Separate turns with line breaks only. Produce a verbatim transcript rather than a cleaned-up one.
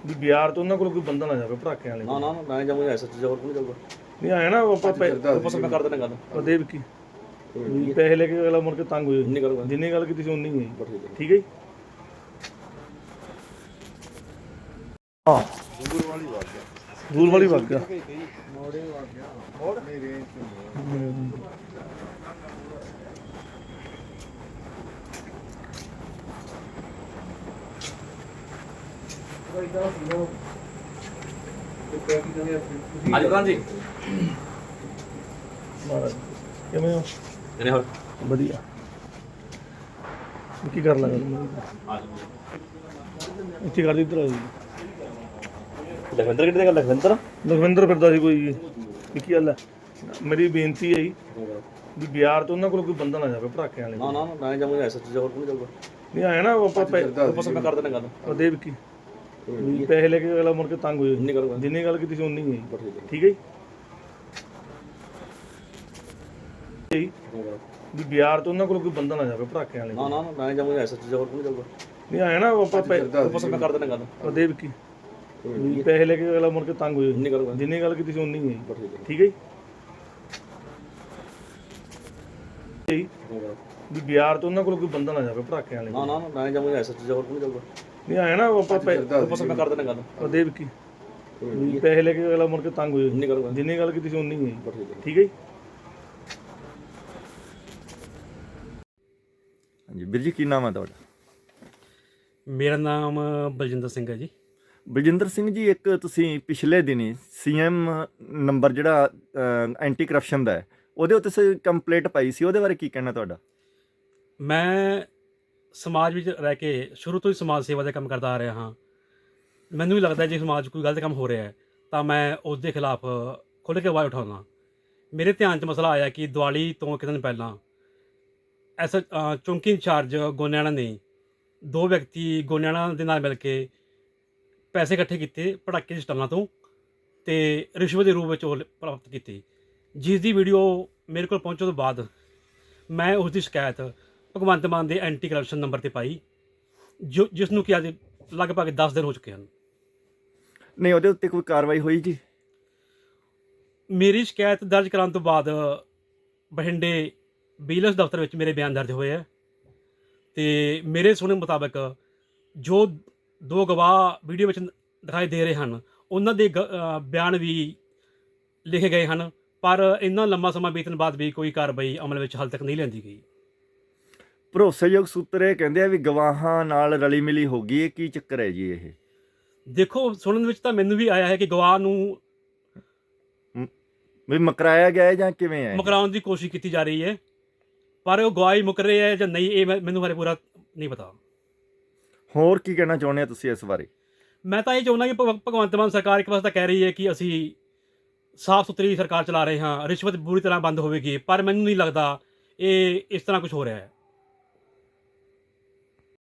ਵੀ ਬਿਆਰ ਤੋਂ ਉਹਨਾਂ ਕੋਲ ਕੋਈ ਬੰਦਾ ਨਾ ਜਾਵੇ ਭੜਾਕੇ ਵਾਲੇ
ਨਾ ਨਾ ਨਾ ਮੈਂ ਜਾਊਂਗਾ ਐਸਐਚ ਜਾਂ ਹੋਰ ਕੋਈ ਜਾਊਗਾ
ਨਹੀਂ ਆਇਆ ਨਾ ਆਪਾਂ
ਬਸ ਮੈਂ ਕਰ ਦੇਣਾ ਗੱਲ
ਆਪਾਂ ਦੇ ਵਿੱਕੀ ਵੀ ਪੈਸੇ ਲੈ ਕੇ ਅਗਲਾ ਮੁੜ ਕੇ ਤੰਗ ਹੋਏ
ਨਹੀਂ ਕਰੂੰਗਾ
ਜਿੰਨੀ ਗੱਲ ਕੀਤੀ ਸੀ ਉਨੀ ਹੀ ਹੈ
ਠੀਕ ਹੈ
ਠੀਕ ਹੈ ਜੀ ਹਾਂ
ਦੂਰ ਵਾਲੀ ਵਾਰ ਗਿਆ
ਦੂਰ ਵਾਲੀ ਵਗ ਗਿਆ
ਮੋੜੇ ਵਾਰ ਗਿਆ ਮੋੜ ਨਹੀਂ ਰੇਂਜ ਤੋਂ
ਅੱਜ ਪ੍ਰਧਾਨ ਜੀ
ਮਹਾਰਾਜ ਕਿਵੇਂ ਹੋ
ਇਹਨੇ ਹੋਰ
ਵਧੀਆ ਕੀ ਕਰ ਲਗਾ ਤੂੰ
ਆ
ਇੱਥੇ ਕਰ ਦੀ ਇੱਧਰ ਆ ਜੀ
ਲਖਵਿੰਦਰ ਕਿੱਥੇ ਗੱਲ ਲਖਵਿੰਦਰ
ਲਖਵਿੰਦਰ ਫਿਰਦਾ ਸੀ ਕੋਈ ਜੀ ਵੀ ਕੀ ਗੱਲ ਹੈ ਮੇਰੀ ਬੇਨਤੀ ਹੈ ਜੀ ਵੀ ਬਿਆਰ ਤੋਂ ਉਹਨਾਂ ਕੋਲ ਕੋਈ ਬੰਦਾ ਨਾ ਜਾਵੇ ਭੜਾਕੇ ਵਾਲੇ
ਨਾ ਨਾ ਨਾ ਮੈਂ ਜਾਊਂਗਾ ਐਸਐਚ ਜਾਂ ਹੋਰ ਕੋਈ ਜਾਊਗਾ
ਨਹੀਂ ਆਇਆ ਨਾ ਆਪਾਂ
ਬਸ ਮੈਂ ਕਰ ਦੇਣਾ ਗੱਲ
ਆਪਾਂ ਦੇ ਵਿੱਕੀ ਵੀ ਪੈਸੇ ਲੈ ਕੇ ਅਗਲਾ ਮੁੜ ਕੇ ਤੰਗ ਹੋਏ
ਨਹੀਂ ਕਰੂੰਗਾ
ਜਿੰਨੀ ਗੱਲ ਕੀਤੀ ਸੀ ਉਨੀ ਹੀ ਹੈ
ਠੀਕ ਹੈ
ਠੀਕ ਹੈ ਜੀ ਵੀ ਬਿਆਰ ਤੋਂ ਉਹਨਾਂ ਕੋਲ ਕੋਈ ਬੰਦਾ ਨਾ ਜਾਵੇ ਭੜਾਕੇ ਵਾਲੇ
ਨਾ ਨਾ ਨਾ ਮੈਂ ਜਾਊਂਗਾ ਐਸਐਚ ਜਾਂ ਹੋਰ ਕੋਈ ਜਾਊਗਾ
ਨਹੀਂ ਆਇਆ ਨਾ ਆਪਾਂ
ਬਸ ਮੈਂ ਕਰ ਦੇਣਾ ਗੱਲ
ਆਪਾਂ ਦੇ ਵਿੱਕੀ ਵੀ ਪੈਸੇ ਲੈ ਕੇ ਅਗਲਾ ਮੁੜ ਕੇ ਤੰਗ ਹੋਏ
ਨਹੀਂ ਕਰੂੰਗਾ
ਜਿੰਨੀ ਗੱਲ ਕੀਤੀ ਸੀ ਉਨੀ ਹੀ ਹੈ
ਠੀਕ ਹੈ
ਠੀਕ ਹੈ ਜੀ ਵੀ ਬਿਆਰ ਤੋਂ ਉਹਨਾਂ ਕੋਲ ਕੋਈ ਬੰਦਾ ਨਾ ਜਾਵੇ ਭੜਾਕੇ ਵਾਲੇ
ਨਾ ਨਾ ਨਾ ਮੈਂ ਜਾਊਂਗਾ ਐਸਐਚ ਜਾਂ ਹੋਰ ਕੋਈ ਜਾਊਗਾ
ਨਹੀਂ ਆਇਆ ਨਾ ਆਪਾਂ
ਬਸ ਮੈਂ ਕਰ ਦੇਣਾ ਗੱਲ
ਆਪਾਂ ਦੇ ਵਿੱਕੀ ਵੀ ਪੈਸੇ ਲੈ ਕੇ ਅਗਲਾ ਮੁੜ ਕੇ ਤੰਗ ਹੋਏ
ਨਹੀਂ ਕਰੂੰਗਾ
ਜਿੰਨੀ ਗੱਲ ਕੀਤੀ ਸੀ ਉਨੀ ਹੀ ਹੈ
ਠੀਕ ਹੈ
ਠੀਕ ਹੈ ਜੀ
ਹਾਂਜੀ ਵੀਰ ਜੀ ਕੀ ਨਾਮ ਹੈ ਤੁਹਾਡਾ
ਮੇਰਾ ਨਾਮ ਬਲਜਿੰਦਰ ਸਿੰਘ ਹੈ ਜੀ।
ਬਲਜਿੰਦਰ ਸਿੰਘ ਜੀ ਇੱਕ ਤੁਸੀਂ ਪਿਛਲੇ ਦਿਨੀ ਸੀਐਮ ਨੰਬਰ ਜਿਹੜਾ ਐਂਟੀ ਕਰਪਸ਼ਨ ਦਾ ਹੈ ਉਹਦੇ ਉੱਤੇ ਤੁਸੀਂ ਕੰਪਲੇਂਟ ਪਾਈ ਸੀ ਉਹਦੇ ਬਾਰੇ ਕੀ ਕਹਿਣਾ ਤੁਹਾਡਾ
ਮੈਂ ਸਮਾਜ ਵਿੱਚ ਰਹਿ ਕੇ ਸ਼ੁਰੂ ਤੋਂ ਹੀ ਸਮਾਜ ਸੇਵਾ ਦਾ ਕੰਮ ਕਰਦਾ ਆ ਰਿਹਾ ਹਾਂ। ਮੈਨੂੰ ਵੀ ਲੱਗਦਾ ਜੇ ਸਮਾਜ 'ਚ ਕੋਈ ਗਲਤ ਕੰਮ ਹੋ ਰਿਹਾ ਹੈ ਤਾਂ ਮੈਂ ਉਸ ਦੇ ਖਿਲਾਫ ਖੁੱਲ੍ਹ ਕੇ ਆਵਾਜ਼ ਉਠਾਉਣਾ। ਮੇਰੇ ਧਿਆਨ 'ਚ ਮਸਲਾ ਆਇਆ ਕਿ ਦੀਵਾਲੀ ਤੋਂ ਇੱਕ ਦਿਨ ਪਹਿਲਾਂ ਐਸ ਚੌਂਕੀ ਇੰਚਾਰਜ ਗੋਨਿਆਣਾ ਨੇ ਦੋ ਵਿਅਕਤੀ ਗੋਨਿਆਣਾ ਦੇ ਨਾਲ ਮਿਲ ਕੇ ਪੈਸੇ ਇਕੱਠੇ ਕੀਤੇ ਪਟਾਕੇ ਦੀ ਸਟਾਲਾਂ ਤੋਂ ਅਤੇ ਰਿਸ਼ਵਤ ਦੇ ਰੂਪ ਵਿੱਚ ਉਹ ਪ੍ਰਾਪਤ ਕੀਤੀ, ਜਿਸ ਦੀ ਵੀਡੀਓ ਮੇਰੇ ਕੋਲ ਪਹੁੰਚਣ ਤੋਂ ਬਾਅਦ ਮੈਂ ਉਸ ਦੀ ਸ਼ਿਕਾਇਤ ਭਗਵੰਤ ਮਾਨ ਦੇ ਐਂਟੀ ਕਰਪਸ਼ਨ ਨੰਬਰ 'ਤੇ ਪਾਈ, ਜੋ ਜਿਸ ਨੂੰ ਕਿ ਅੱਜ ਲਗਭਗ ਦਸ ਦਿਨ ਹੋ ਚੁੱਕੇ ਹਨ।
ਨਹੀਂ ਉਹਦੇ ਉੱਤੇ ਕੋਈ ਕਾਰਵਾਈ ਹੋਈ ਜੀ
ਮੇਰੀ ਸ਼ਿਕਾਇਤ ਦਰਜ ਕਰਾਉਣ ਤੋਂ ਬਾਅਦ ਬਠਿੰਡੇ ਵਿਜੀਲੈਂਸ ਦਫ਼ਤਰ ਵਿੱਚ ਮੇਰੇ ਬਿਆਨ ਦਰਜ ਹੋਏ ਹੈ ਅਤੇ ਮੇਰੇ ਸੁਣਨ ਮੁਤਾਬਕ ਜੋ ਦੋ ਗਵਾਹ ਵੀਡੀਓ ਵਿੱਚ ਦਿਖਾਈ ਦੇ ਰਹੇ ਹਨ ਉਹਨਾਂ ਦੇ ਗ ਬਿਆਨ ਵੀ ਲਿਖੇ ਗਏ ਹਨ, ਪਰ ਇੰਨਾ ਲੰਮਾ ਸਮਾਂ ਬੀਤਣ ਬਾਅਦ ਵੀ ਕੋਈ ਕਾਰਵਾਈ ਅਮਲ ਵਿੱਚ ਹਾਲ ਤੱਕ ਨਹੀਂ ਲਿਆਂਦੀ ਗਈ।
ਭਰੋਸੇਯੋਗ ਸੂਤਰ ਇਹ ਕਹਿੰਦੇ ਆ ਵੀ ਗਵਾਹਾਂ ਨਾਲ ਰਲੀ ਮਿਲੀ ਹੋ ਗਈ ਇਹ ਕੀ ਚੱਕਰ ਹੈ ਜੀ ਇਹ
ਦੇਖੋ ਸੁਣਨ ਵਿੱਚ ਤਾਂ ਮੈਨੂੰ ਵੀ ਆਇਆ ਹੈ ਕਿ ਗਵਾਹ ਨੂੰ
ਵੀ ਮਕਰਾਇਆ ਗਿਆ ਹੈ ਜਾਂ ਕਿਵੇਂ ਹੈ
ਮੁਕਰਾਉਣ ਦੀ ਕੋਸ਼ਿਸ਼ ਕੀਤੀ ਜਾ ਰਹੀ ਹੈ, ਪਰ ਉਹ ਗਵਾਹੀ ਮੁੱਕ ਰਹੇ ਹੈ ਜਾਂ ਨਹੀਂ ਇਹ ਮੈਨੂੰ ਹਾਲੇ ਪੂਰਾ ਨਹੀਂ ਪਤਾ।
ਹੋਰ ਕੀ ਕਹਿਣਾ ਚਾਹੁੰਦੇ ਆ ਤੁਸੀਂ ਇਸ ਬਾਰੇ
ਮੈਂ ਤਾਂ ਇਹ ਚਾਹੁੰਦਾ ਕਿ ਭਗ- ਭਗਵੰਤ ਮਾਨ ਸਰਕਾਰ ਇੱਕ ਪਾਸੇ ਤਾਂ ਕਹਿ ਰਹੀ ਹੈ ਕਿ ਅਸੀਂ ਸਾਫ਼ ਸੁਥਰੀ ਸਰਕਾਰ ਚਲਾ ਰਹੇ ਹਾਂ, ਰਿਸ਼ਵਤ ਬੁਰੀ ਤਰ੍ਹਾਂ ਬੰਦ ਹੋਵੇਗੀ, ਪਰ ਮੈਨੂੰ ਨਹੀਂ ਲੱਗਦਾ ਇਹ ਇਸ ਤਰ੍ਹਾਂ ਕੁਝ ਹੋ ਰਿਹਾ ਹੈ।